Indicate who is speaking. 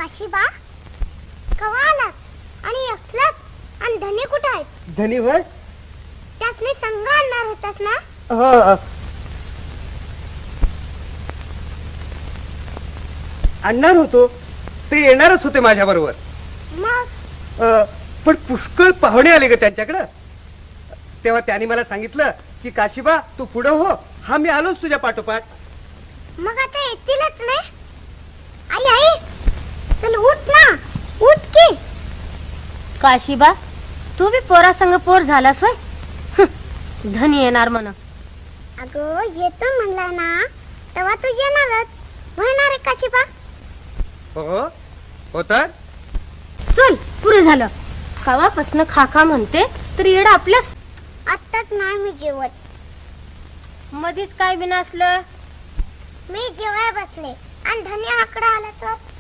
Speaker 1: काशीबा कवा आलात आणि एकलाच आणि धनी कुठे आहेत?
Speaker 2: धनी होय?
Speaker 1: त्यासने संग आणणार होतास ना?
Speaker 2: हो, आणणार होतो. ते येणारच होते माझ्या बरोबर.
Speaker 1: मग
Speaker 2: पण पुष्कळ पाहुणे आले ग त्यांच्याकडं. तेव्हा त्यांनी मला सांगितलं की काशीबा तू पुढं हो, हा मी आलोच तुझ्या पाठोपाठ.
Speaker 1: मग आता येतीलच नाही. आई आई चल उठ ना, उठ की.
Speaker 3: काशीबा तू बी पोरा संग पोर झालास होय. धनी येणार म्हण.
Speaker 1: अगं येतो म्हणला ना तेव्हा तू येणारच. होणार आहे काशीबा?
Speaker 2: हो हो तर
Speaker 3: चल पुरे झालं. कवापासनं खाखा म्हणते तर येड आपल्याच.
Speaker 1: आत्ताच नाही मी जेवत.
Speaker 3: मधीच काय बिना असलं.
Speaker 1: मी जेवाय बसले आणि धनी आकडा आला तर